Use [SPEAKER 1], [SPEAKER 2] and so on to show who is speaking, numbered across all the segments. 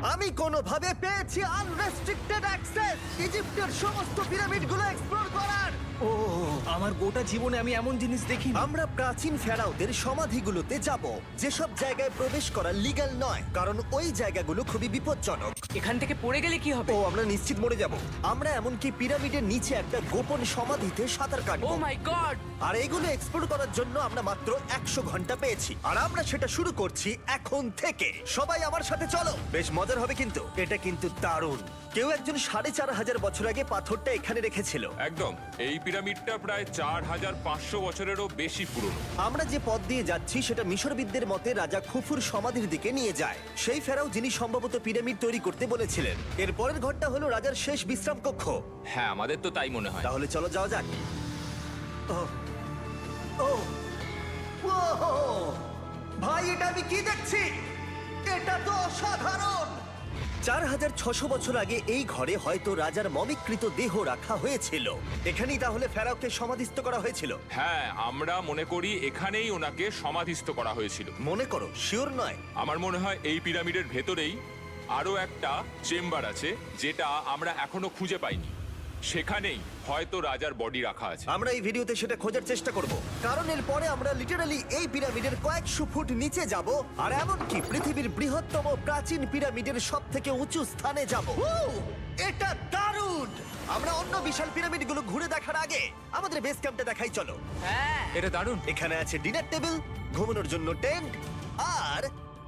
[SPEAKER 1] আমি কোনোভাবে পেয়েছি আনরেস্ট্রিক্টেড অ্যাক্সেস ইজিপ্টের সমস্ত পিরামিডগুলো এক্সপ্লোর করার।
[SPEAKER 2] ও আমার গোটা জীবনে আমি এমন জিনিস দেখিনি।
[SPEAKER 1] আমরা প্রাচীন ফেরাওদের সমাধিগুলোতে যাব, যেসব জায়গায় প্রবেশ করা লিগ্যাল নয়, কারণ ওই জায়গাগুলো খুবই বিপজ্জনক।
[SPEAKER 3] এখান থেকে পড়ে গেলে কি হবে?
[SPEAKER 1] ও আমরা নিশ্চিত মরে যাব। আমরা এমনকি পিরামিডের নিচে একটা গোপন সমাধিতে সাঁতার
[SPEAKER 3] ও
[SPEAKER 1] কাটবো।
[SPEAKER 3] মাই গড!
[SPEAKER 1] আর এগুলো এক্সপ্লোর করার জন্য আমরা মাত্র 100 ঘন্টা পেয়েছি, আর আমরা সেটা শুরু করছি এখন থেকে। সবাই আমার সাথে চলো, বেশ মজার হবে কিন্তু। এটা কিন্তু দারুণ। কেউ একজন 4500 বছর আগে পাথরটা এখানে রেখেছিল।
[SPEAKER 4] একদম, এই পিরামিডটা প্রায় 4500 বছরেরও বেশি পুরনো।
[SPEAKER 1] আমরা যে পথ দিয়ে যাচ্ছি সেটা মিশরবিদদের মতে রাজা খুফুর সমাধির দিকে নিয়ে যায়, সেই ফেরাও যিনি সম্ভবত পিরামিড তৈরি করতে বলেছিলেন। এর পরের ঘরটা হলো রাজার শেষ বিশ্রাম কক্ষ।
[SPEAKER 5] হ্যাঁ, আমাদের তো তাই মনে হয়।
[SPEAKER 1] তাহলে চলো যাওয়া যাক। ওহ, ওহ, ওহ, ভাই এটা আমি কি দেখছি? এটা তো অসাধারণ। 4600 বছর আগে এই ঘরে হয়তো রাজার মমিকৃত দেহ রাখা হয়েছিল। এখানেই তাহলে ফেরাওকে সমাধিস্থ করা হয়েছিল।
[SPEAKER 4] হ্যাঁ, আমরা মনে করি এখানেই ওনাকে সমাধিস্থ করা হয়েছিল।
[SPEAKER 1] মনে করো, শিওর নয়।
[SPEAKER 4] আমার মনে হয় এই পিরামিডের ভেতরেই আরো একটা চেম্বার আছে, যেটা আমরা এখনো খুঁজে পাইনি। সেখানেই হয়তো রাজার বডি রাখা আছে।
[SPEAKER 1] আমরা এই ভিডিওতে সেটা খোঁজার চেষ্টা করব, কারণ এর পরে আমরা লিটারালি এই পিরামিডের কয়েকশো ফুট নিচে যাব, আর এমনকি পৃথিবীর বৃহত্তম প্রাচীন পিরামিডের সব থেকে উঁচু স্থানে যাব। এটা দারুণ! আমরা অন্য বিশাল পিরামিডগুলো ঘুরে দেখার আগে আমাদের বেস ক্যাম্পটা দেখাই চলো।
[SPEAKER 3] হ্যাঁ,
[SPEAKER 5] এটা দারুণ।
[SPEAKER 1] এখানে আছে ডিনার টেবিল, ঘুমানোর জন্য টেন্ট, আর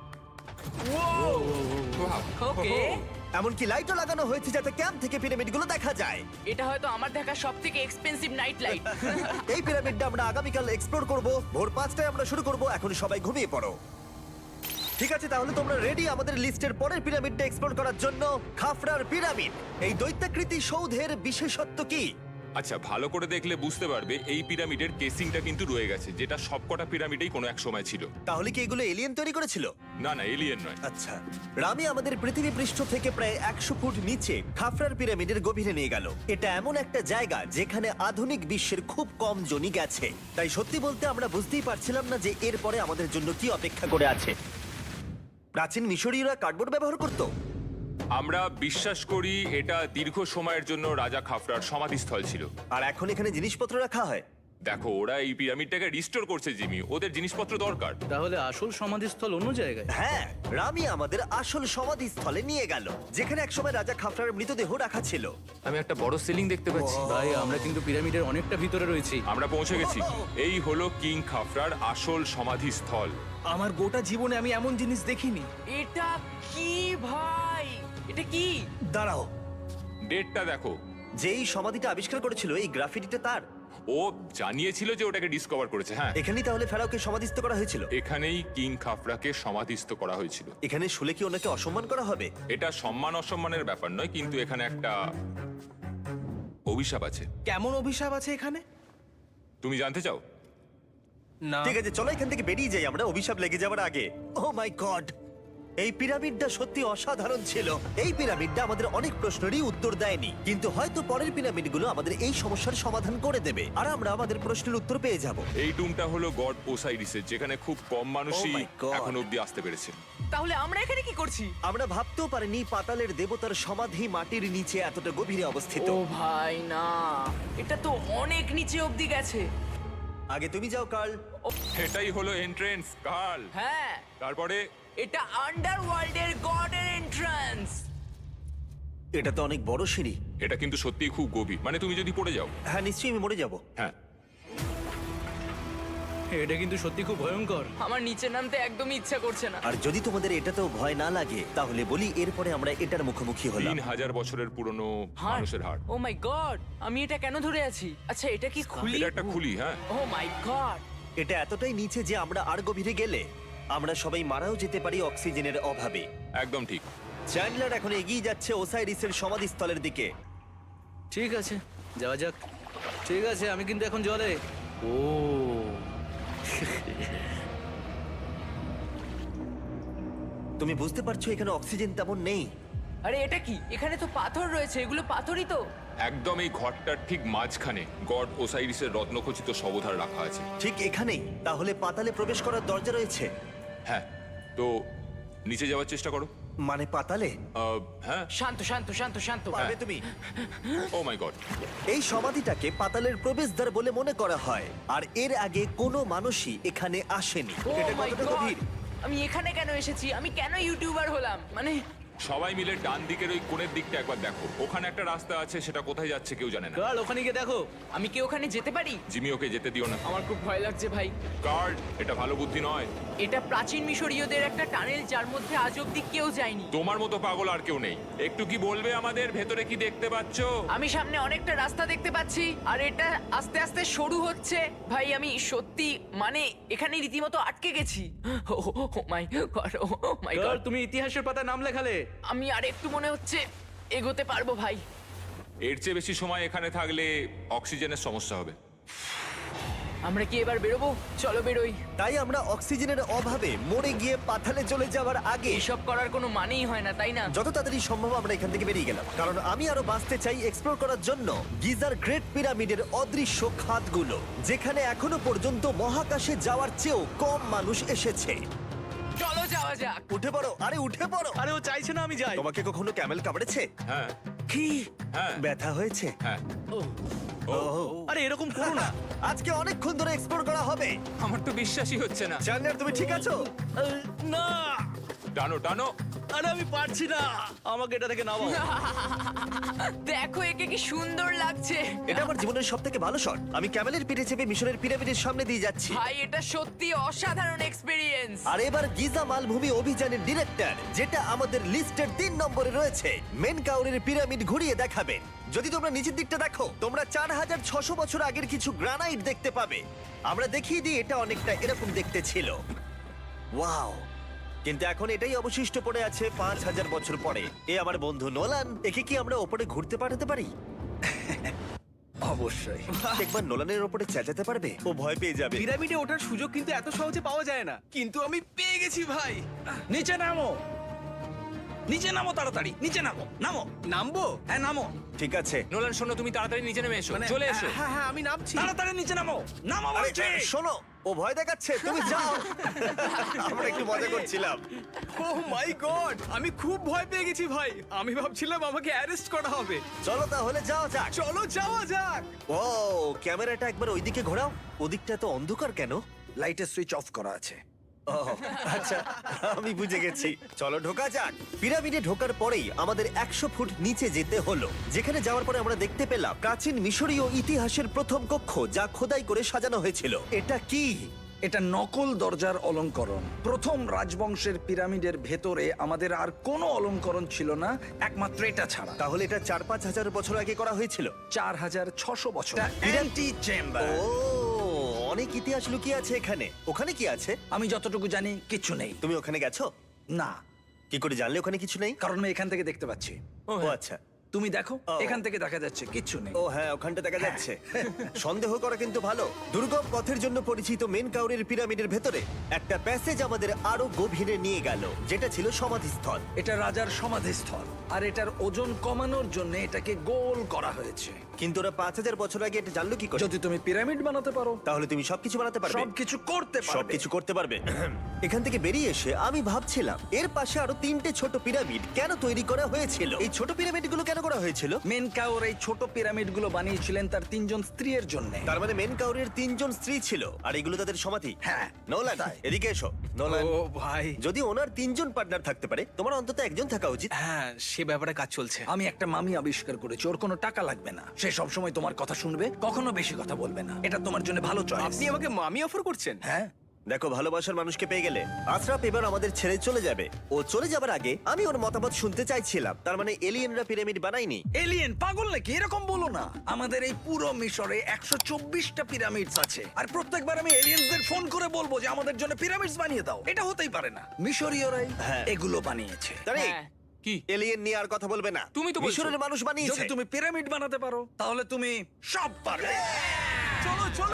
[SPEAKER 3] ওকে।
[SPEAKER 1] এমনকি লাইটও লাগানো হয়েছে যাতে ক্যাম্প থেকে পিরামিডগুলো দেখা যায়।
[SPEAKER 3] এটা হয়তো আমার দেখা সবথেকে এক্সপেন্সিভ নাইট লাইট।
[SPEAKER 1] এই পিরামিডটা আমরা আগামীকাল এক্সপ্লোর করব। ভোর 5টায় আমরা শুরু করব। এখন সবাই ঘুমিয়ে পড়ো। ঠিক আছে, তাহলে তোমরা রেডি আমাদের লিস্টের পরের পিরামিডটা এক্সপ্লোর করার জন্য? খাফরার পিরামিড। এই দৈত্যাকৃতি সৌধের বিশেষত্ব কি?
[SPEAKER 4] আচ্ছা, ভালো করে দেখলে বুঝতে পারবে এই পিরামিডের কেসিংটা কিন্তু রয়ে গেছে, যেটা সবকটা পিরামিডেই কোনো এক সময় ছিল।
[SPEAKER 1] তাহলে কি এগুলো এলিয়েন তৈরি করেছিল?
[SPEAKER 4] না না, এলিয়েন নয়।
[SPEAKER 1] আচ্ছা, রামি আমাদের পৃথিবী পৃষ্ঠ থেকে প্রায় 100 ফুট নিচে খাফরার পিরামিডের গভীরে নিয়ে গেল। এটা এমন একটা জায়গা যেখানে আধুনিক বিশ্বের খুব কম জনই গেছে। তাই সত্যি বলতে আমরা বুঝতেই পারছিলাম না যে এরপরে আমাদের জন্য কি অপেক্ষা করে আছে। প্রাচীন মিশরীয়রা কার্ডবোর্ড ব্যবহার করত।
[SPEAKER 4] আমরা বিশ্বাস করি এটা দীর্ঘ সময়ের জন্য রাজা খাফরার সমাধিস্থল ছিল।
[SPEAKER 1] আর এখন এখানে জিনিসপত্র রাখা হয়।
[SPEAKER 4] দেখো, ওরা এই পিরামিডটাকে রিস্টোর করছে জিমি, ওদের জিনিসপত্র দরকার।
[SPEAKER 2] তাহলে আসল সমাধিস্থল অন্য জায়গায়?
[SPEAKER 1] হ্যাঁ, রামি আমাদের আসল সমাধিস্থলে নিয়ে গেল, যেখানে একসময় রাজা খাফরার মৃতদেহ রাখা ছিল।
[SPEAKER 5] আমি একটা বড় সিলিং দেখতে পাচ্ছি।
[SPEAKER 2] ভাই, আমরা কিন্তু পিরামিডের অনেকটা ভিতরে রয়েছি।
[SPEAKER 4] আমরা পৌঁছে গেছি। এই হলো কিং খাফরার আসল সমাধিস্থল।
[SPEAKER 2] আমার গোটা জীবনে আমি এমন জিনিস দেখিনি।
[SPEAKER 3] এটা কি ভাই? এটা কি?
[SPEAKER 1] দাঁড়াও,
[SPEAKER 4] ডেটটা দেখো।
[SPEAKER 1] যেই সমাধিটা আবিষ্কার করেছিল এই গ্রাফিটিটা তার।
[SPEAKER 4] ও জানিয়েছিল যে ওটাকে ডিসকভার করেছে। হ্যাঁ,
[SPEAKER 1] এখানেই তাহলে ফেরাওকে সমাধিস্থ করা হয়েছিল।
[SPEAKER 4] এখানেই কিং খাফরাকে সমাধিস্থ করা হয়েছিল।
[SPEAKER 1] এখানে শুলে কি ওনাকে অসম্মান করা হবে?
[SPEAKER 4] এটা সম্মান অসম্মানের ব্যাপার নয়, কিন্তু এখানে একটা অভিশাপ আছে।
[SPEAKER 2] কেমন অভিশাপ আছে এখানে?
[SPEAKER 4] তুমি জানতে চাও?
[SPEAKER 2] না।
[SPEAKER 1] ঠিক আছে, চলো এখান থেকে বেরিয়ে যাই আমরা অভিশাপ লেগে যাওয়ার আগে। ও মাই গড, এই পিরামিডটা সত্যি অসাধারণ ছিল। এই পিরামিডটা আমাদের অনেক প্রশ্নেরই উত্তর দেয়নি, কিন্তু হয়তো পরের পিরামিডগুলো আমাদের এই সমস্যার সমাধান করে দেবে, আর আমরা আমাদের প্রশ্নের উত্তর পেয়ে যাব।
[SPEAKER 4] এই টুমটা হলো গড ওসাইরিসের, যেখানে খুব কম মানুষই
[SPEAKER 1] Oh my God!
[SPEAKER 4] এখন অব্দি আসতে পেরেছে।
[SPEAKER 3] তাহলে আমরা এখানে কি করছি?
[SPEAKER 1] আমরা ভাবতেও পারিনি পাতালের দেবতার সমাধি মাটির নিচে এতটা গভীরে অবস্থিত।
[SPEAKER 3] ও ভাই না, এটা তো অনেক নিচে অবধি গেছে।
[SPEAKER 1] আগে তুমি যাও কার্ল।
[SPEAKER 4] এটাই হলো এন্ট্রেন্স, কার্ল।
[SPEAKER 3] হ্যাঁ,
[SPEAKER 4] তারপরে
[SPEAKER 3] এটা আন্ডারওয়ার্ল্ডের গডের এন্ট্রান্স।
[SPEAKER 1] এটা তো অনেক বড় সিঁড়ি।
[SPEAKER 4] এটা কিন্তু সত্যিই খুব গভীর, মানে তুমি যদি পড়ে যাও।
[SPEAKER 1] হ্যাঁ, নিশ্চয়ই আমি মরে যাব।
[SPEAKER 4] হ্যাঁ,
[SPEAKER 2] এটা কিন্তু সত্যি খুব ভয়ঙ্কর।
[SPEAKER 3] আমার নিচে নামতে একদমই ইচ্ছা করছে না।
[SPEAKER 1] আর যদি তোমাদের এটাতেও ভয় না লাগে তাহলে বলি, এরপরে আমরা এটার মুখোমুখি হলাম।
[SPEAKER 4] 3000 বছরের পুরনো
[SPEAKER 3] হার্ট,
[SPEAKER 4] মানুষের হাড়।
[SPEAKER 3] ও মাই গড, আমি এটা কেন ধরে আছি? আচ্ছা, এটা কি খুলি?
[SPEAKER 4] এটা একটা খুলি। হ্যাঁ,
[SPEAKER 3] ও মাই গড,
[SPEAKER 1] এটা এতটাই নিচে যে আমরা আর গভীরে গেলে আমরা সবাই মারাও যেতে পারি অক্সিজেনের অভাবে।
[SPEAKER 4] একদম ঠিক।
[SPEAKER 1] চ্যান্ডলার এখন এগিয়ে যাচ্ছে ওসাইরিসের সমাধিস্থলের দিকে।
[SPEAKER 2] ঠিক আছে, যাওয়া যাক। ঠিক আছে, আমি কিন্তু এখন জলে। ও
[SPEAKER 1] তুমি বুঝতে পারছো এখানে অক্সিজেন তেমন নেই।
[SPEAKER 3] আরে এটা কি? এখানে তো পাথর রয়েছে, এগুলো পাথরই তো।
[SPEAKER 4] একদম এই ঘরটার ঠিক মাঝখানে গড ওসাইরিসের রত্নখচিত শবধার রাখা আছে।
[SPEAKER 1] ঠিক এখানেই তাহলে পাতালে প্রবেশ করার দরজা রয়েছে।
[SPEAKER 4] হ্যাঁ, তো নিচে যাওয়ার চেষ্টা করো।
[SPEAKER 1] মানে পাতালে?
[SPEAKER 4] হ্যাঁ
[SPEAKER 3] শান্ত শান্ত শান্ত শান্ত
[SPEAKER 1] পারবে তুমি?
[SPEAKER 4] ও মাই গড
[SPEAKER 1] এই সমাধিটাকে পাতালের প্রবেশদ্বার বলে মনে করা হয়, আর এর আগে কোনো মানুষই এখানে আসেনি।
[SPEAKER 3] Oh
[SPEAKER 1] এটা
[SPEAKER 3] my
[SPEAKER 1] কতটা
[SPEAKER 3] God!
[SPEAKER 1] গভীর?
[SPEAKER 3] আমি এখানে কেন এসেছি? আমি কেন ইউটিউবার হলাম? মানে
[SPEAKER 4] সবাই মিলে ডান দিকের ওই কোণের দিকটা একবার দেখো, ওখানে একটা রাস্তা আছে, সেটা কোথায় যাচ্ছে কেউ জানে না।
[SPEAKER 2] কাল ওখানে গিয়ে দেখো।
[SPEAKER 3] আমি কি ওখানে যেতে পারি?
[SPEAKER 4] জিমি ওকে যেতে দিও না।
[SPEAKER 3] আমার খুব ভয় লাগছে ভাই।
[SPEAKER 4] গার্ড, এটা ভালো বুদ্ধি নয়।
[SPEAKER 3] এটা প্রাচীন মিশরীয়দের একটা টানেল যার মধ্যে আজ অব্দি কেউ যায়নি।
[SPEAKER 4] তোমার মতো পাগল আর কেউ নেই। একটু কি বলবে আমাদের ভেতরে কি দেখতে পাচ্ছো?
[SPEAKER 3] আমি সামনে অনেকটা রাস্তা দেখতে পাচ্ছি আর এটা আস্তে আস্তে সরু হচ্ছে। ভাই আমি সত্যি মানে এখানে রীতিমতো আটকে গেছি। ও মাই গড, ও মাই
[SPEAKER 2] কাল
[SPEAKER 3] গড।
[SPEAKER 2] তুমি ইতিহাসের পাতায় নাম লেখালে।
[SPEAKER 3] আমি আর একটু মনে হচ্ছে এগোতে পারবো ভাই।
[SPEAKER 4] এর চেয়ে বেশি সময় এখানে থাকলে অক্সিজেনের সমস্যা হবে।
[SPEAKER 3] আমরা কি এবার বেরোবো? চলো বেরোই।
[SPEAKER 1] তাই আমরা অক্সিজেনের অভাবে মরে গিয়ে পাতালে চলে যাওয়ার আগে
[SPEAKER 3] এইসব করার কোনো মানেই হয় না, তাই না?
[SPEAKER 1] যত তাড়াতাড়ি সম্ভব আমরা এখান থেকে বেরিয়ে গেলাম, কারণ আমি আরো বাঁচতে চাই এক্সপ্লোর করার জন্য গিজার গ্রেট পিরামিডের অদৃশ্য খাতগুলো, যেখানে এখনো পর্যন্ত মহাকাশে যাওয়ার চেয়েও কম মানুষ এসেছে।
[SPEAKER 3] চলো যাওয়া যাক।
[SPEAKER 1] উঠে পড়ো, আরে উঠে পড়ো।
[SPEAKER 2] আরে ও চাইছে না আমি যাই।
[SPEAKER 1] তোমাকে কখনো ক্যামেল কামড়েছে?
[SPEAKER 4] হ্যাঁ
[SPEAKER 1] কি
[SPEAKER 4] হ্যাঁ
[SPEAKER 1] ব্যথা হয়েছে?
[SPEAKER 4] হ্যাঁ।
[SPEAKER 2] আরে এরকম করো না।
[SPEAKER 1] আজকে অনেকক্ষণ ধরে এক্সপ্লোর করা হবে।
[SPEAKER 5] আমার তো বিশ্বাসই হচ্ছে না।
[SPEAKER 1] জানলার তুমি ঠিক আছো?
[SPEAKER 2] না,
[SPEAKER 4] টানো টানো।
[SPEAKER 2] আরে আমি পারছি না, আমাকে এটা থেকে নামাও।
[SPEAKER 3] দেখো একে কি সুন্দর লাগছে।
[SPEAKER 1] এটা আমার জীবনের সব থেকে ভালো শট। আমি ক্যামেলের পিঠে চেপে মিশরের পিরামিডের সামনে দিয়ে যাচ্ছি।
[SPEAKER 3] ভাই এটা সত্যি অসাধারণ এক্সপেরিয়েন্স।
[SPEAKER 1] আর এবার গিজা মালভূমি অভিযানের ডিরেক্টর, যেটা আমাদের লিস্টের 3 নম্বরে রয়েছে, মেনকাউরের পিরামিড ঘুরিয়ে দেখাবেন। যদি তোমরা নিচের দিকটা দেখো, তোমরা 4600 বছর আগের কিছু গ্রানাইট দেখতে পাবে। আমরা দেখিয়ে দিই, এটা অনেকটা এরকম দেখতে ছিল। ওয়াও! কিন্তু এখন এটাই অবশিষ্ট পড়ে আছে 5000 বছর পরে। এ আমার বন্ধু নোলান, একে কি আমরা ওপরে ঘুরতে পাঠাতে পারি?
[SPEAKER 6] অবশ্যই।
[SPEAKER 1] একবার নোলানের ওপরে চেঁচাতে পারবে? ও ভয় পেয়ে যাবে।
[SPEAKER 6] পিরামিডে ওঠার সুযোগ কিন্তু এত সহজে পাওয়া যায় না, কিন্তু আমি পেয়ে গেছি ভাই। নিচে নামো, নিচে নামো, তাড়াতাড়ি নিচে নামো। নামো। নামবো? হ্যাঁ নামো।
[SPEAKER 1] ঠিক আছে।
[SPEAKER 5] নোলান শোনো, তুমি তাড়াতাড়ি নিচে নেমে এসো, চলে এসো।
[SPEAKER 6] হ্যাঁ হ্যাঁ আমি নামছি। তাড়াতাড়ি নিচে নামো। নামো
[SPEAKER 1] আরে,
[SPEAKER 6] বলছি।
[SPEAKER 1] শোনো, ও ভয় দেখাচ্ছে, তুমি যাও। আমরা একটু মজা করছিলাম।
[SPEAKER 6] ও মাই গড, আমি খুব ভয় পেয়ে গেছি ভাই। আমি ভাবছিলাম আমাকে অ্যারেস্ট করা হবে।
[SPEAKER 1] চলো তাহলে যাও যাক।
[SPEAKER 6] চলো যাওয়া যাক।
[SPEAKER 1] ও, ক্যামেরাটা একবার ওইদিকে ঘোরাও। ওদিকটা তো অন্ধকার কেন?
[SPEAKER 6] লাইটের সুইচ অফ করা আছে।
[SPEAKER 1] ও, আচ্ছা, আমি বুঝে গেছি। চলো ঢোকা যাক। পিরামিডে ঢোকার পরেই আমাদের 100 ফুট নিচে যেতে হলো, যেখানে যাওয়ার পরে আমরা দেখতে পেলাম প্রাচীন মিশরীয় ইতিহাসের প্রথম কক্ষ, যা খোদাই করে সাজানো হয়েছিল। এটা কি?
[SPEAKER 7] এটা নকল দরজার অলঙ্করণ। প্রথম রাজবংশের পিরামিডের ভেতরে আমাদের আর কোনো অলঙ্করণ ছিল না, একমাত্র এটা ছাড়া।
[SPEAKER 1] তাহলে এটা 4-5 হাজার বছর আগে করা হয়েছিল।
[SPEAKER 7] 4600 বছর। Anti chamber.
[SPEAKER 1] ও, অনেক ইতিহাস লুকিয়ে আছে এখানে। ওখানে কি আছে?
[SPEAKER 7] আমি যতটুকু জানি কিছু নেই।
[SPEAKER 1] তুমি ওখানে গেছো?
[SPEAKER 7] না,
[SPEAKER 1] কি করে জানলে ওখানে কিছু নেই?
[SPEAKER 7] কারণ আমি এখান থেকে দেখতে পাচ্ছি।
[SPEAKER 1] ও আচ্ছা।
[SPEAKER 7] তুমি দেখো,
[SPEAKER 1] ও।
[SPEAKER 7] এখান থেকে দেখা যাচ্ছে কিচ্ছু নেই।
[SPEAKER 1] ও হ্যাঁ, ওখানটা দেখা যাচ্ছে। সন্দেহ করা কিন্তু ভালো। দুর্গম পথের জন্য পরিচিত মেনকাউরের পিরামিডের ভেতরে একটা প্যাসেজ আমাদের আরো গভীরে নিয়ে গেল, যেটা ছিল সমাধিস্থল।
[SPEAKER 7] এটা রাজার সমাধিস্থল, আর এটার ওজন কমানোর জন্য এটাকে গোল করা হয়েছে।
[SPEAKER 1] কিন্তু ওরা 5000 বছর আগে এটা জানলো কি করে?
[SPEAKER 7] যদি তুমি পিরামিড বানাতে পারো,
[SPEAKER 1] তাহলে তুমি সবকিছু বানাতে পারবে।
[SPEAKER 7] সবকিছু করতে পারবে।
[SPEAKER 1] সবকিছু করতে পারবে। এখান থেকে বেরিয়ে এসে আমি ভাবছিলাম, এর পাশে আরো 3টে ছোট পিরামিড কেন তৈরি করা হয়েছিল? এই ছোট পিরামিডগুলো কেন করা হয়েছিল?
[SPEAKER 7] মেনকাউর এই ছোট পিরামিডগুলো বানিয়েছিলেন তার 3 জন স্ত্রীর জন্য।
[SPEAKER 1] তার মানে মেনকাউরের 3 জন স্ত্রী ছিল, আর এগুলো তাদের সমাধি।
[SPEAKER 7] হ্যাঁ,
[SPEAKER 1] নোলান, এদিকে এসো। নোলান,
[SPEAKER 6] ও ভাই।
[SPEAKER 1] যদি ওনার 3 জন পার্টনার থাকতে পারে, তোমার অন্তত একজন থাকা উচিত।
[SPEAKER 6] হ্যাঁ, সে ব্যাপারে কাজ চলছে।
[SPEAKER 7] আমি একটা মামি আবিষ্কার করেছি, ওর কোনো টাকা লাগবে না। সে সব সময় তোমার কথা শুনবে, কখনো বেশি কথা বলবে না। এটা তোমার জন্য ভালো চয়েস।
[SPEAKER 6] আপনি আমাকে মামি অফার করছেন?
[SPEAKER 7] হ্যাঁ,
[SPEAKER 1] দেখো, ভালোবাসার মানুষকে পেয়ে গেলে আশরাফ এবার আমাদের ছেড়ে চলে যাবে। ও চলে যাবার আগে আমি ওর মতামত শুনতে চাইছিলাম। তার মানে এলিয়েনরা পিরামিড বানায়নি?
[SPEAKER 7] এলিয়েন পাগল নাকি? এরকম বলো না। আমাদের এই পুরো মিশরে 124টা পিরামিডস আছে, আর প্রত্যেকবার আমি এলিয়েনদের ফোন করে বলবো যে আমাদের জন্য পিরামিডস বানিয়ে দাও। এটা হতেই পারে না। মিশরীয়রাই
[SPEAKER 1] হ্যাঁ।
[SPEAKER 7] এগুলো বানিয়েছে।
[SPEAKER 1] তারিক,
[SPEAKER 3] হ্যাঁ।
[SPEAKER 5] কি?
[SPEAKER 1] এলিয়েন নিয়ে আর কথা বলবে না।
[SPEAKER 5] তুমি তো বলছো।
[SPEAKER 1] মিশরের মানুষ বানিয়েছে।
[SPEAKER 7] যদি তুমি পিরামিড বানাতে পারো, তাহলে তুমি সব পারবে।
[SPEAKER 6] চলো চলো।